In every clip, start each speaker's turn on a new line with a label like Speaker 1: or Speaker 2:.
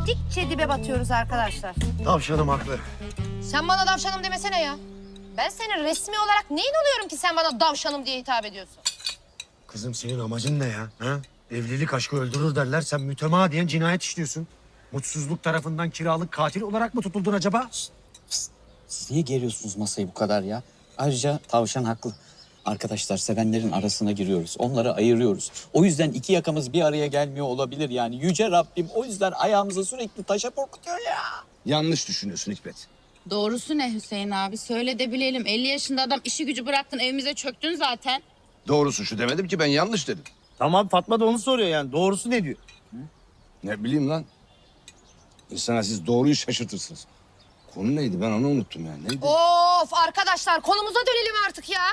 Speaker 1: gittikçe dibe batıyoruz arkadaşlar.
Speaker 2: Tavşanım haklı.
Speaker 1: Sen bana davşanım demesene ya. Ben senin resmi olarak neyin oluyorum ki sen bana davşanım diye hitap ediyorsun?
Speaker 2: Kızım senin amacın ne ya? Ha? Evlilik aşkı öldürür derler. Sen mütemadiyen cinayet işliyorsun. Mutsuzluk tarafından kiralık katil olarak mı tutuldun acaba?
Speaker 3: Siz niye geriyorsunuz masayı bu kadar ya? Ayrıca tavşan haklı. Arkadaşlar sevenlerin arasına giriyoruz. Onları ayırıyoruz. O yüzden iki yakamız bir araya gelmiyor olabilir yani. Yüce Rabbim o yüzden ayağımızı sürekli taşa korkutuyor ya.
Speaker 4: Yanlış düşünüyorsun Hikmet.
Speaker 5: Doğrusu ne Hüseyin abi? Söyle de bilelim. 50 yaşında adam işi gücü bıraktın evimize çöktün zaten.
Speaker 4: Doğrusu şu demedim ki ben yanlış dedim.
Speaker 6: Tamam Fatma da onu soruyor yani. Doğrusu ne diyor?
Speaker 4: Ne bileyim lan. İnsana siz doğruyu şaşırtırsınız. Konu neydi ben onu unuttum ya. Neydi?
Speaker 1: Of arkadaşlar konumuza dönelim artık ya.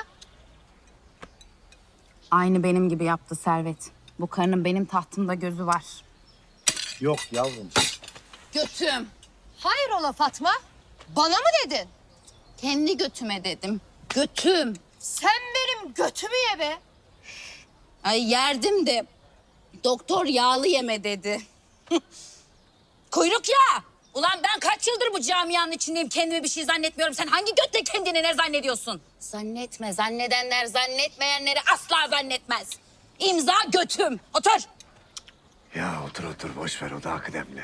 Speaker 5: Aynı benim gibi yaptı Servet. Bu karının benim tahtımda gözü var.
Speaker 6: Yok yavrum.
Speaker 5: Götüm.
Speaker 1: Hayrola Fatma? Bana mı dedin?
Speaker 5: Kendi götüme dedim. Götüm.
Speaker 1: Sen benim götümü ye be.
Speaker 5: Ay yerdim de. Doktor yağlı yeme dedi. Kuyruk ya. Ulan ben kaç yıldır bu camianın içindeyim. Kendime bir şey zannetmiyorum. Sen hangi götle kendini ne zannediyorsun? Zannetme. Zannedenler zannetmeyenleri asla zannetmez. İmza götüm. Otur.
Speaker 2: Ya otur otur boş ver o da kıdemli.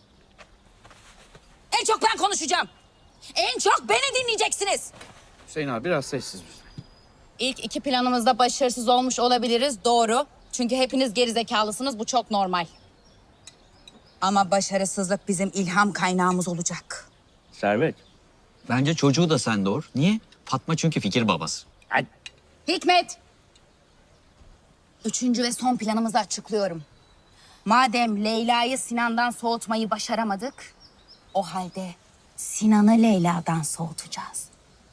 Speaker 5: En çok ben konuşacağım. En çok beni dinleyeceksiniz.
Speaker 3: Hüseyin abi biraz sessiz.
Speaker 5: İlk iki planımızda başarısız olmuş olabiliriz. Doğru. Çünkü hepiniz gerizekalısınız. Bu çok normal. Ama başarısızlık bizim ilham kaynağımız olacak.
Speaker 3: Servet. Bence çocuğu da sen doğur. Niye? Fatma çünkü fikir babası.
Speaker 5: Hikmet. Üçüncü ve son planımızı açıklıyorum. Madem Leyla'yı Sinan'dan soğutmayı başaramadık, o halde Sinan'ı Leyla'dan soğutacağız.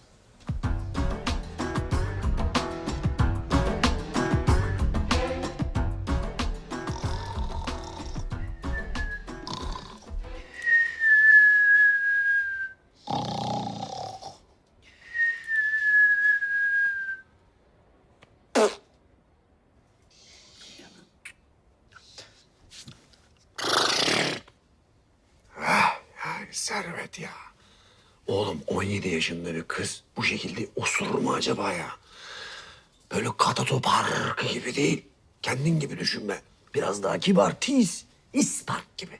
Speaker 2: Ay Servet ya. Oğlum 17 yaşında bir kız bu şekilde osurur mu acaba ya? Böyle katato parkı gibi değil. Kendin gibi düşünme. Biraz daha kibar, tiz. İspark gibi.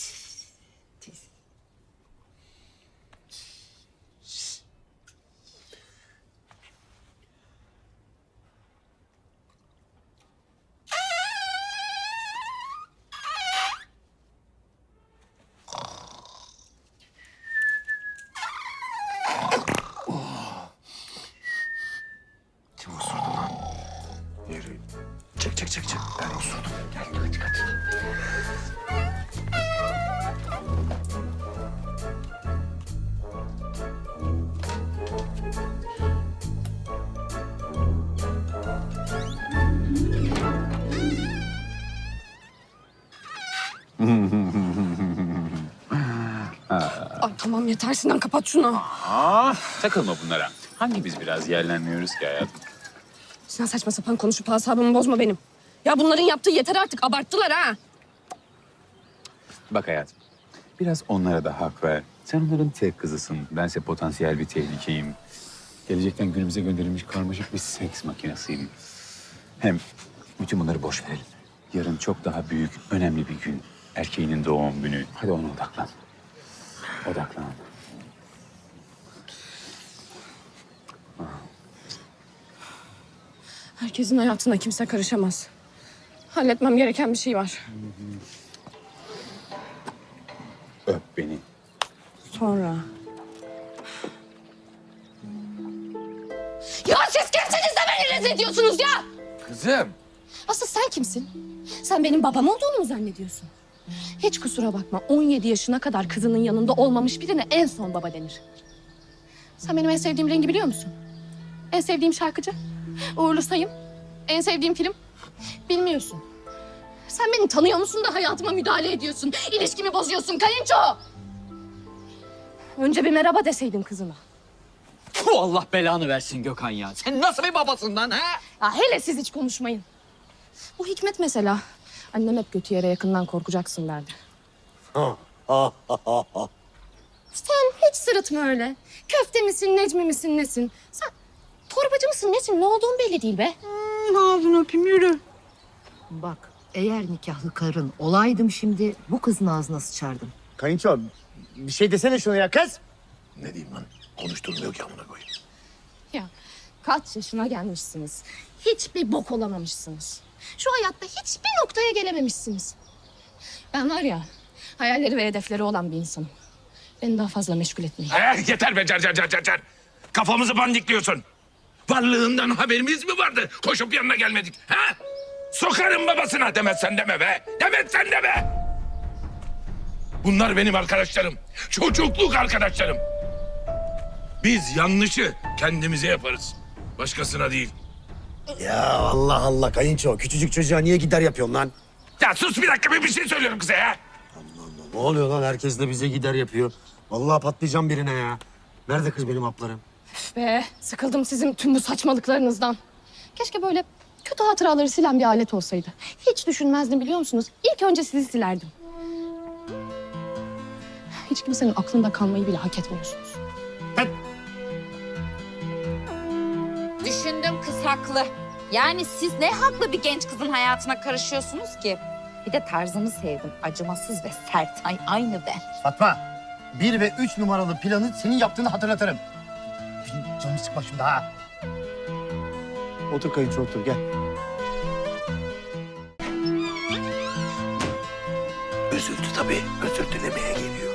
Speaker 2: Kim osurdu lan? Yürü. Çık. Ben osurdum. Gel kaç.
Speaker 7: Ay tamam yeter Sinan kapat şunu.
Speaker 8: Takılma bunlara. Hangimiz biraz yerlenmiyoruz ki hayatım?
Speaker 7: Sinan saçma sapan konuşup asabımı bozma benim. Ya bunların yaptığı yeter artık abarttılar ha.
Speaker 8: Bak hayatım, biraz onlara da hak ver. Sen onların tek kızısın. Bense potansiyel bir tehlikeyim. Gelecekten günümüze gönderilmiş karmaşık bir seks makinesiyim. Hem bütün bunları boş verelim. Yarın çok daha büyük, önemli bir gün. Erkeğinin doğum günü. Hadi ona odaklan. Odaklan.
Speaker 7: Herkesin hayatına kimse karışamaz. Halletmem gereken bir şey var.
Speaker 8: Öp beni.
Speaker 7: Sonra. Ya siz kimsiniz de beni rezil ediyorsunuz ya?
Speaker 4: Kızım.
Speaker 7: Asıl sen kimsin? Sen benim babam olduğunu mu zannediyorsun? Hiç kusura bakma 17 yaşına kadar kızının yanında olmamış birine en son baba denir. Sen benim en sevdiğim rengi biliyor musun? En sevdiğim şarkıcı? Uğurlu Sayım. En sevdiğim film? Bilmiyorsun. Sen beni tanıyor musun da hayatıma müdahale ediyorsun. İlişkimi bozuyorsun kayınço. Önce bir merhaba deseydin kızına.
Speaker 3: Puh, Allah belanı versin Gökhan ya. Sen nasıl bir babasın lan ha?
Speaker 7: Ya hele siz hiç konuşmayın. Bu Hikmet mesela. Annem hep kötü yere yakından korkacaksın derdi.
Speaker 2: Ha,
Speaker 7: Sen hiç sırıtma öyle. Köfte misin, Necmi misin, nesin? Sen torbacı mısın, nesin? Ne olduğun belli değil be.
Speaker 9: Ağzını öpeyim yürü. Bak eğer nikahlı karın olaydım şimdi bu kızın ağzına sıçardım.
Speaker 6: Kayınço bir şey desene şuna ya kız.
Speaker 2: Ne diyeyim lan? Konuşturmuyor ki amına koyayım.
Speaker 7: Ya kaç yaşına gelmişsiniz. Hiçbir bok olamamışsınız. Şu hayatta hiçbir noktaya gelememişsiniz. Ben var ya, hayalleri ve hedefleri olan bir insanım. Beni daha fazla meşgul etmeyin.
Speaker 10: Yeter be car. Kafamızı bandikliyorsun. Varlığından haberimiz mi vardı? Koşup yanına gelmedik. Ha? Sokarım babasına demezsen deme be. Demezsen deme. Bunlar benim arkadaşlarım. Çocukluk arkadaşlarım. Biz yanlışı kendimize yaparız. Başkasına değil.
Speaker 2: Ya Allah Allah kayınço. Küçücük çocuğa niye gider yapıyorsun lan?
Speaker 10: Ya sus bir dakika bir şey söylüyorum kıza ya.
Speaker 2: Ne oluyor lan? Herkes de bize gider yapıyor. Vallahi patlayacağım birine ya. Nerede kız benim haplarım?
Speaker 7: Be, sıkıldım sizin tüm bu saçmalıklarınızdan. Keşke böyle kötü hatıraları silen bir alet olsaydı. Hiç düşünmezdim biliyor musunuz? İlk önce sizi silerdim. Hiç kimsenin aklında kalmayı bile hak etmiyorsunuz.
Speaker 5: Düşündüm kız haklı. Yani siz ne haklı bir genç kızın hayatına karışıyorsunuz ki? Bir de tarzını sevdim. Acımasız ve sert. Ay aynı ben.
Speaker 6: Fatma 1 ve 3 numaralı planı senin yaptığını hatırlatırım. Benim canımı sıkma şimdi ha. Otur kayınço otur gel.
Speaker 2: Üzüldü tabii. Özür dilemeye geliyor.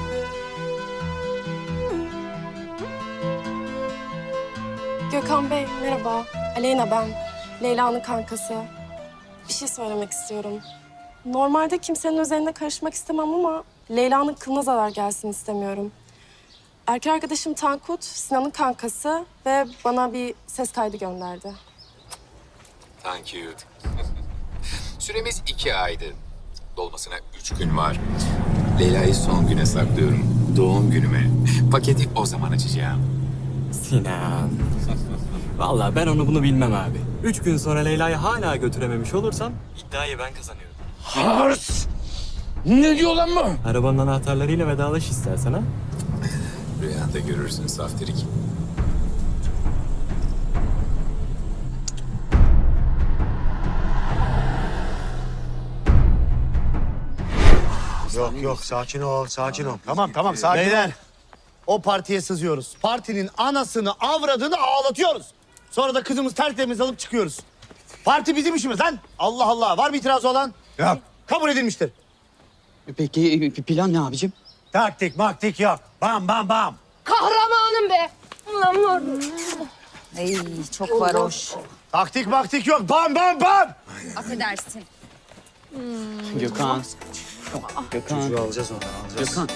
Speaker 11: Gökhan Bey, merhaba. Aleyna ben. Leyla'nın kankası. Bir şey söylemek istiyorum. Normalde kimsenin özeline karışmak istemem ama Leyla'nın kılına zarar gelsin istemiyorum. Erkek arkadaşım Tankut, Sinan'ın kankası ve bana bir ses kaydı gönderdi.
Speaker 8: Thank you. Süremiz 2 aydı. Dolmasına 3 gün var. Leyla'yı son güne saklıyorum. Doğum günüme. Paketi o zaman açacağım.
Speaker 12: Sinan. Vallahi ben onu bunu bilmem abi. 3 gün sonra Leyla'yı hala götürememiş olursam iddiayı ben kazanıyorum.
Speaker 10: Hars! Ne diyor lan bu?
Speaker 12: Arabanın anahtarlarıyla vedalaş istersen ha.
Speaker 8: Rüyanda görürsün saftirik.
Speaker 2: Yok sakin ol sakin ol.
Speaker 6: Tamam sakin Beyler o partiye sızıyoruz. Partinin anasını avradını ağlatıyoruz. Sonra da kızımız tertemiz alıp çıkıyoruz. Parti bizim işimiz lan. Allah Allah. Var mı itirazı olan?
Speaker 2: Yok.
Speaker 6: Kabul edilmiştir.
Speaker 3: Peki plan ne abicim?
Speaker 2: Taktik maktik yok. Bam bam bam.
Speaker 7: Kahramanım be!
Speaker 5: Ay çok varoş.
Speaker 6: Taktik maktik yok. Bam bam bam.
Speaker 5: Affedersin.
Speaker 3: Gökhan. Gökhan.
Speaker 2: Çocuğu alacağız oradan alacağız.
Speaker 3: Gökhan.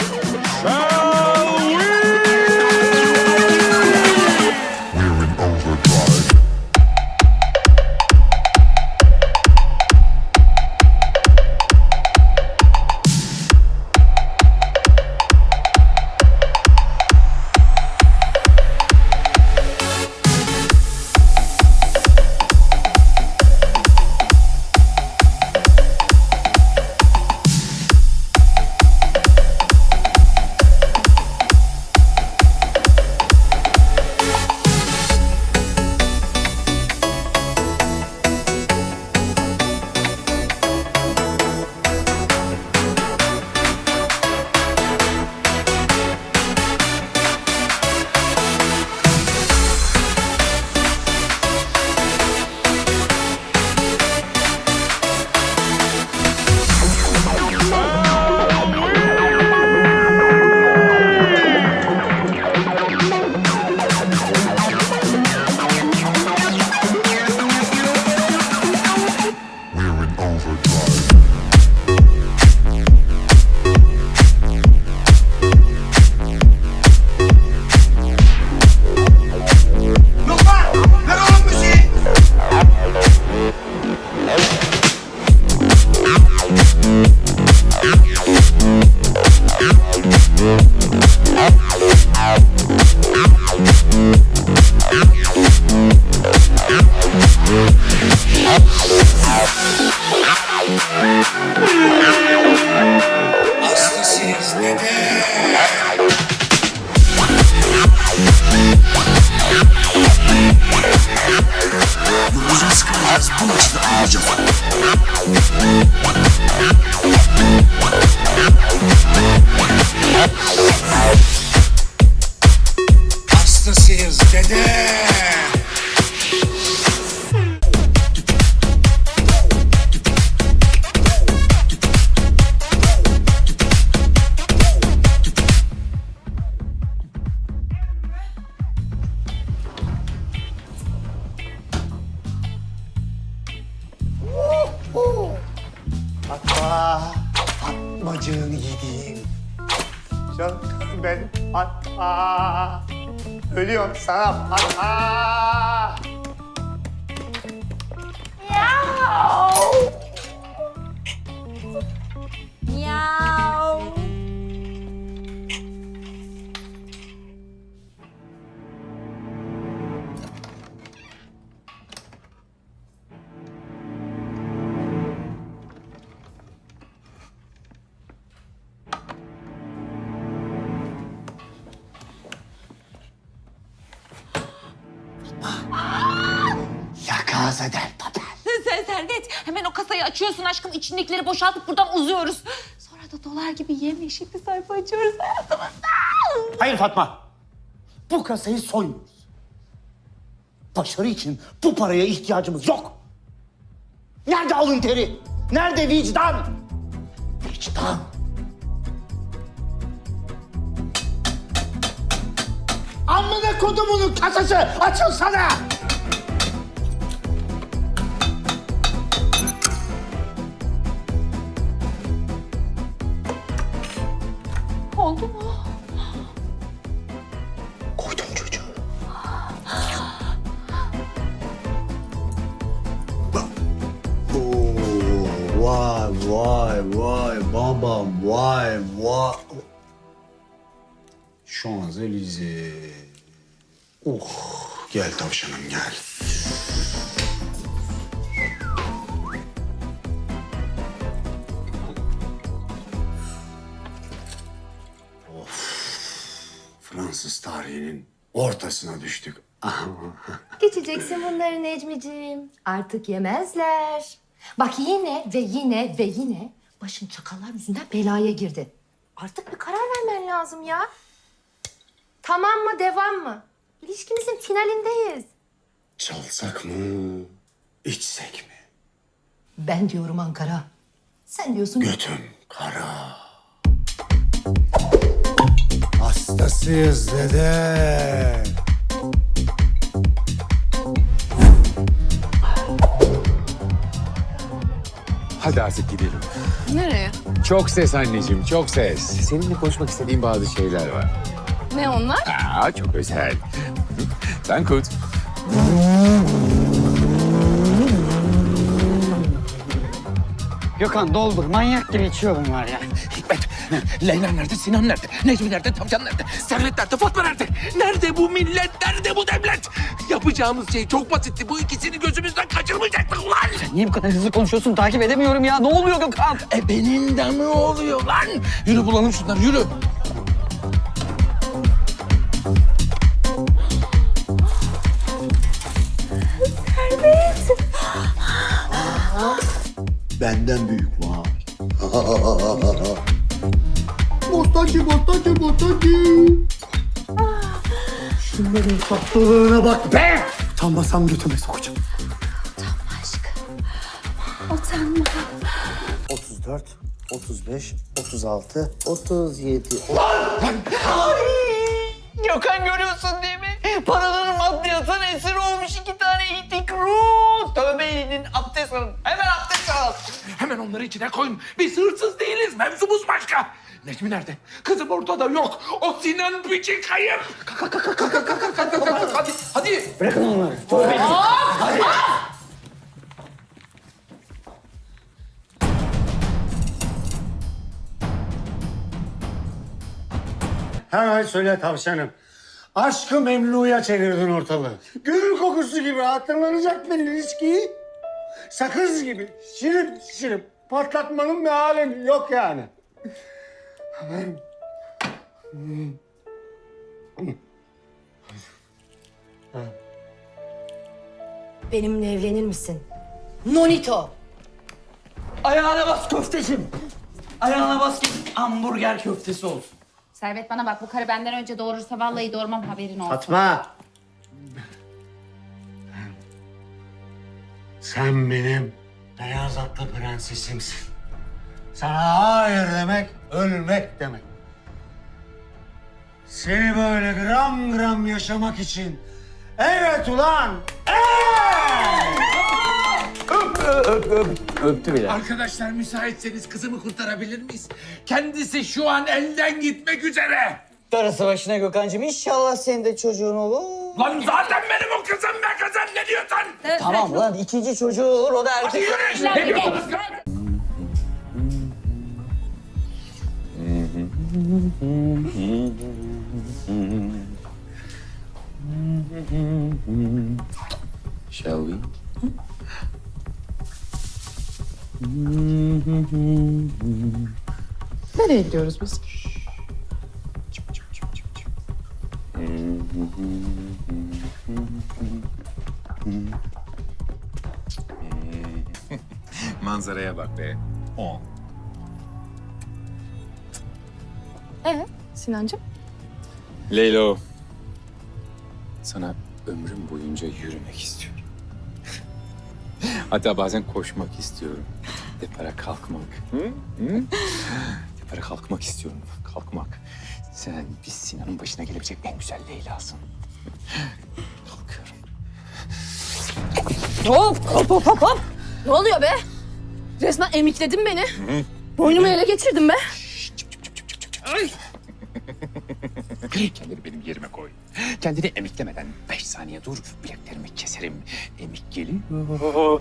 Speaker 13: We're in over
Speaker 2: harcasın. Hastasıyız dede.
Speaker 6: Fatmacığını yediğim. Canım ben Fatma. Ölüyorum sana Fatma.
Speaker 5: Miau.
Speaker 6: La Casa del Papel.
Speaker 5: Servet, hemen o kasayı açıyorsun aşkım. İçindekileri boşaltıp buradan uzuyoruz. Sonra da dolar gibi yemyeşil bir sayfa açıyoruz hayatımızda.
Speaker 6: Hayır Fatma. Bu kasayı soymuyoruz. Başarı için bu paraya ihtiyacımız yok. Nerede alın teri? Nerede vicdan? Vicdan. Amına kodumunun kasası açılsana!
Speaker 5: Oldu mu?
Speaker 6: Koydum çocuğu. Vay vay vay babam vay vay. Şanzelize. Oh gel tavşanım gel. Fransız tarihinin ortasına düştük.
Speaker 9: Geçeceksin bunları Necmiciğim. Artık yemezler. Bak yine ve yine ve yine başın çakallar yüzünden belaya girdi. Artık bir karar vermen lazım ya. Tamam mı, devam mı? İlişkimizin finalindeyiz.
Speaker 2: Çalsak mı, içsek mi?
Speaker 9: Ben diyorum Ankara. Sen diyorsun...
Speaker 2: Götüm kara. Hastasıyız dede.
Speaker 8: Hadi artık gidelim.
Speaker 7: Nereye?
Speaker 8: Çok ses anneciğim, çok ses. Seninle konuşmak istediğim bazı şeyler var.
Speaker 7: Ne onlar?
Speaker 8: Çok özel. Tankut.
Speaker 3: Gökhan doldur. Manyak gibi içiyorum var ya.
Speaker 10: Hikmet, Leyla nerede, Sinan nerede, Necmi nerede, Tavşan nerede, Servet nerede, Fatma nerede? Nerede bu millet, nerede bu devlet? Yapacağımız şey çok basitti. Bu ikisini gözümüzden kaçırmayacaktık ulan.
Speaker 3: Niye bu kadar hızlı konuşuyorsun? Takip edemiyorum ya. Ne oluyor Gökhan?
Speaker 10: Benim de mi oluyor lan? Yürü bulalım şunları, yürü.
Speaker 6: Benden büyük var. Bostancı, bostancı, bostancı. Şunların tatlılığına bak be! Utanmasam götüme sokacağım.
Speaker 5: Utanma aşkım. Utanma.
Speaker 6: 34, 35, 36, 37.
Speaker 3: Gökhan görüyorsun değil mi? Paraların maddiyatın esiri olmuş 2 tane itik ruh. Tövbe edin, abdest alın. Hemen abdest al.
Speaker 10: Hemen onları içine koyun. Biz hırsız değiliz, mevzumuz başka. Necmi nerede? Kızım ortada yok. O Sinan piçi kayıp. Kalk. Hadi.
Speaker 3: Bırakın onları. Tövbe edin. Hadi.
Speaker 6: Hemen söyle tavşanım. Aşkı Memnu'ya çevirdin ortalığı. Gül kokusu gibi hatırlanacak bir ilişkiyi sakız gibi şirip patlatmanın bir alemi yok yani.
Speaker 9: Benimle evlenir misin?
Speaker 5: Nonito.
Speaker 3: Ayağına bas köftecim. Ayağına bas ki hamburger köftesi olsun.
Speaker 5: Servet bana bak, bu karı benden önce doğurursa vallahi doğurmam, haberin olsun.
Speaker 6: Fatma. Sen benim beyaz atlı prensesimsin. Sana hayır demek, ölmek demek. Seni böyle gram gram yaşamak için. Evet ulan! Evet!
Speaker 3: Öptü bile.
Speaker 10: Arkadaşlar müsaitseniz kızımı kurtarabilir miyiz? Kendisi şu an elden gitmek üzere.
Speaker 3: Darısı başına Gökhan'cığım. İnşallah senin de çocuğun olur.
Speaker 10: Lan zaten benim o kızım be kızım, ne diyorsun?
Speaker 3: Tamam lan, ikinci çocuğu olur, o da
Speaker 10: Hadi
Speaker 3: erkek.
Speaker 10: yürü. Ne diyorsunuz?
Speaker 8: Shall we?
Speaker 7: Nereye gidiyoruz biz?
Speaker 8: Manzaraya bak be. 10.
Speaker 7: Sinancığım?
Speaker 8: Leylo. Sana ömrüm boyunca yürümek istiyorum. Hatta bazen koşmak istiyorum. Depara kalkmak. Depara kalkmak istiyorum. Kalkmak. Sen biz Sinan'ın başına gelebilecek en güzel Leyla'sın. Kalkıyorum.
Speaker 7: Hop. Ne oluyor be? Resmen emikledin beni. Boynumu ele geçirdin be.
Speaker 8: Kendini benim yerime koy. Kendini emiklemeden 5 saniye dur. Bileklerimi keserim. Emik geliyor.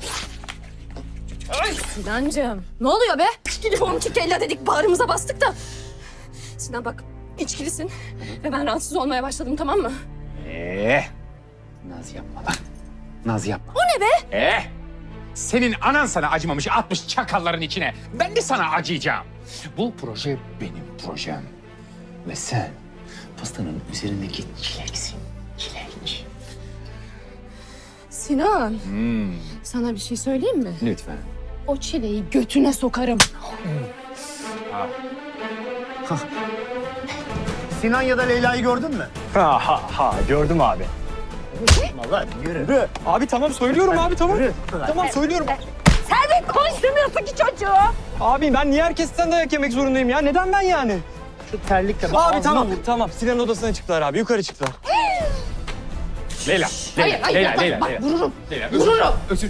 Speaker 7: Sinancığım. Ne oluyor be? Gidip 12 kella dedik, bağrımıza bastık da. Sinan bak, içkilisin ve ben rahatsız olmaya başladım, tamam mı?
Speaker 8: Naz yapma lan. Naz yapma.
Speaker 7: O ne be?
Speaker 8: Senin anan sana acımamış, atmış çakalların içine. Ben de sana acıyacağım. Bu proje benim projem. Ve sen pastanın üzerindeki çileksin. Çilek.
Speaker 7: Sinan, sana bir şey söyleyeyim mi?
Speaker 8: Lütfen.
Speaker 7: O çileği götüne sokarım.
Speaker 6: Sinan ya da Leyla'yı gördün mü?
Speaker 12: Gördüm abi.
Speaker 6: Vallahi yürü.
Speaker 12: Abi tamam söylüyorum abi tamam. Tamam söylüyorum.
Speaker 7: Servet, konuşturmuyorsun ki çocuğu.
Speaker 12: Abi ben niye herkesten dayak yemek zorundayım ya? Neden ben yani?
Speaker 6: Şu terlikle
Speaker 12: Abi tamam. Sinan'ın odasına çıktılar abi. Yukarı çıktılar.
Speaker 8: Leyla.
Speaker 7: Hayır,
Speaker 8: Leyla.
Speaker 7: bak, vururum.
Speaker 8: Leyla,
Speaker 7: Vururum.
Speaker 8: özür.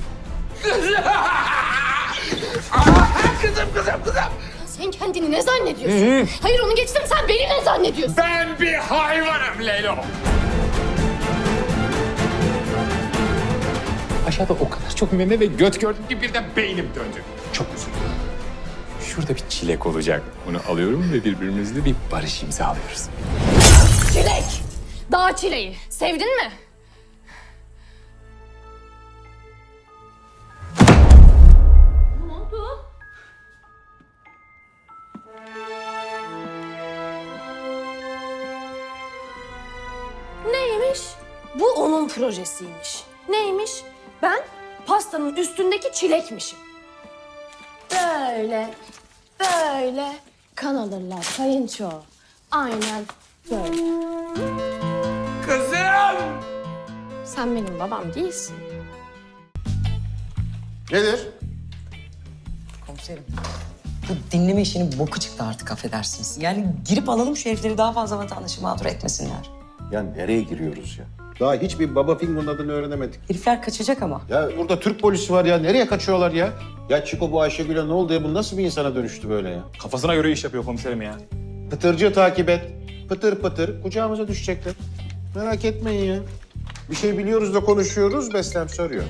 Speaker 10: Kızım.
Speaker 7: Sen kendini ne zannediyorsun? Hayır, onu geçtim, sen beni ne zannediyorsun?
Speaker 10: Ben bir hayvanım Leylo.
Speaker 8: Aşağıda o kadar çok meme ve göt gördüm ki birden beynim döndü. Çok özür dilerim. Şurada bir çilek olacak. Onu alıyorum ve birbirimizle bir barış imzalıyoruz.
Speaker 7: Çilek. Dağ çileği. Sevdin mi? Ne oldu? Neymiş? Bu onun projesiymiş. Neymiş? Ben pastanın üstündeki çilekmişim. Böyle kan alırlar kayınço. Aynen böyle.
Speaker 10: Kızım.
Speaker 7: Sen benim babam değilsin.
Speaker 2: Nedir?
Speaker 13: Komiserim. Bu dinleme işinin boku çıktı artık, affedersiniz. Yani girip alalım şu herifleri, daha fazla vatandaşı mağdur etmesinler.
Speaker 14: Ya nereye giriyoruz ya? Daha hiçbir Baba Fingo'nun adını öğrenemedik.
Speaker 13: Herifler kaçacak ama.
Speaker 14: Ya burada Türk polisi var ya. Nereye kaçıyorlar ya? Ya Çiko, bu Ayşegül'e ne oldu ya? Bu nasıl bir insana dönüştü böyle ya?
Speaker 12: Kafasına göre iş yapıyor komiserim ya.
Speaker 14: Pıtırcı takip et. Pıtır pıtır kucağımıza düşecekler. Merak etmeyin ya. Bir şey biliyoruz da konuşuyoruz. Beslem soruyor.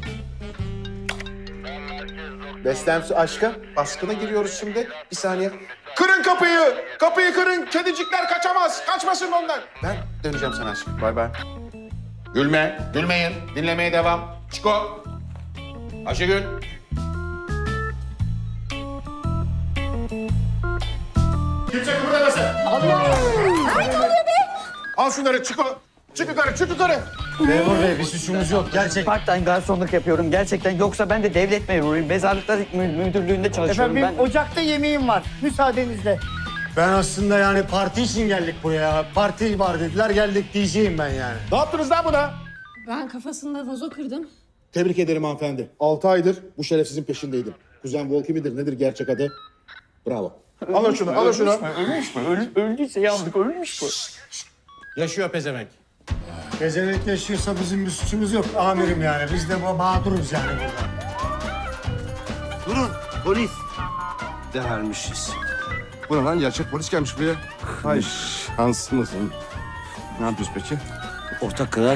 Speaker 14: Beslem aşkım. Baskına giriyoruz şimdi. Bir saniye. Kırın kapıyı. Kapıyı kırın. Kedicikler kaçamaz. Kaçmasın onlar. Ben döneceğim sana aşkım. Bay bay. Gülme. Gülmeyin. Dinlemeye devam. Çiko. Ayşegül. Kimse kıpırdamasın. Allah! Ne oluyor be? Al şunları Çiko. Çık yukarı, çık yukarı.
Speaker 6: Memur bey bir suçumuz yok gerçek.
Speaker 3: Part-time garsonluk yapıyorum gerçekten. Yoksa ben de devlet memuruyum. Mezarlıklar müdürlüğünde çalışıyorum ben.
Speaker 6: ocakta yemeğim var. Müsaadenizle. Ben aslında yani parti için geldik buraya. Parti var dediler geldik diyeceğim ben yani.
Speaker 14: Ne yaptınız lan buna?
Speaker 7: Ben kafasında vazo kırdım.
Speaker 14: Tebrik ederim hanımefendi. 6 aydır bu şerefsizin peşindeydim. Kuzen Volki midir nedir gerçek adı? Bravo. Alın şunu, alın şunu.
Speaker 3: Öldüyse yandık, ölmüş mü?
Speaker 6: Yaşıyor pezevenk. Pezevenk yaşıyorsa bizim bir suçumuz yok amirim yani. Biz de mağduruz yani burada.
Speaker 4: Durun polis. Değermişiz. Bu ne lan gerçek polis gelmiş buraya. Hay şansımızın. Ne yapıyoruz peki?
Speaker 3: Ortak kadar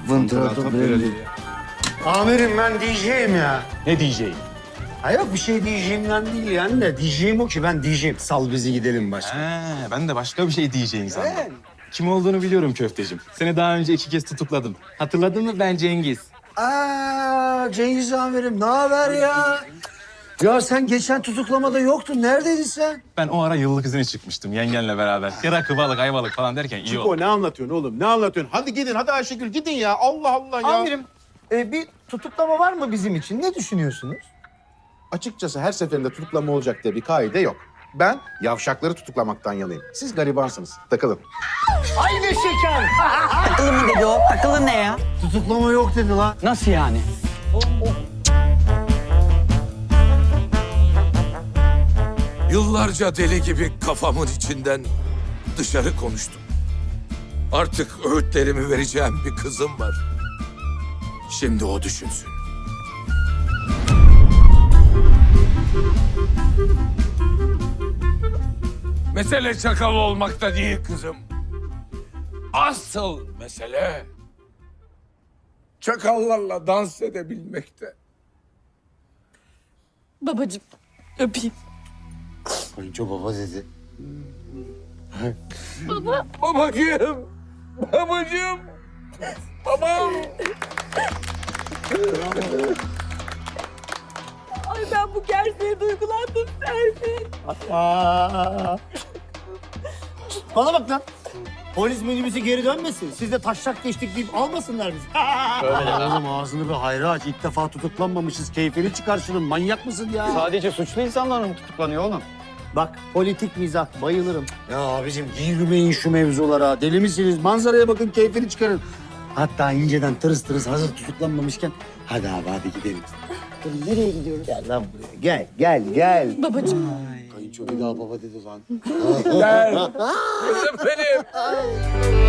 Speaker 6: Amirim ben diyeceğim ya.
Speaker 3: Ne diyeceğim?
Speaker 6: Ha yok bir şey diyeceğimden değil yani de diyeceğim o ki ben diyeceğim. Sal bizi gidelim başka.
Speaker 12: Ben de başka bir şey diyeceğini sandım. Kim olduğunu biliyorum köftecim. Seni daha önce 2 kez tutukladım. Hatırladın mı? Ben Cengiz.
Speaker 6: Aa Cengiz amirim ne haber ya? Ya sen geçen tutuklamada yoktun. Neredeydin sen?
Speaker 12: Ben o ara yıllık izine çıkmıştım yengenle beraber. Ya rakı balık, ayvalık falan derken iyi oldu.
Speaker 14: Çiko ne anlatıyorsun oğlum? Ne anlatıyorsun? Hadi gidin, hadi Ayşegül gidin ya. Allah Allah ya.
Speaker 6: Amirim bir tutuklama var mı bizim için? Ne düşünüyorsunuz?
Speaker 14: Açıkçası her seferinde tutuklama olacak diye bir kaide yok. Ben yavşakları tutuklamaktan yanayım. Siz garibansınız. Takılın.
Speaker 6: Aynı şeker.
Speaker 3: Akıllı mı dedi o? Akıllı ne ya?
Speaker 6: Tutuklama yok dedi lan.
Speaker 3: Nasıl yani?
Speaker 10: Yıllarca deli gibi kafamın içinden dışarı konuştum. Artık öğütlerimi vereceğim bir kızım var. Şimdi o düşünsün. Mesele çakal olmakta değil kızım. Asıl mesele çakallarla dans edebilmekte.
Speaker 11: Babacığım öpeyim.
Speaker 6: Kayınço baba dedi.
Speaker 10: Babacığım, babacığım, babam.
Speaker 11: Ay ben bu gerçeğe duygulandım Serpil.
Speaker 6: Bana bak lan. Polis minibüsü geri dönmesin. Siz de taşak geçtik deyip almasınlar bizi. Öyle oğlum ağzını bir hayra aç. İlk defa tutuklanmamışız. Keyfini çıkar şunun. Manyak mısın ya?
Speaker 3: Sadece suçlu insanlar mı tutuklanıyor oğlum?
Speaker 6: Bak politik mizah bayılırım. Ya abicim girmeyin şu mevzulara. Deli misiniz? Manzaraya bakın keyfini çıkarın. Hatta inceden tırıs tırıs hazır tutuklanmamışken hadi abi hadi gidelim. Dur nereye gidiyoruz? Gel lan buraya. Gel.
Speaker 11: Babacığım.
Speaker 6: Kayınço bir daha baba dedi lan.
Speaker 10: Gel. Kızım benim.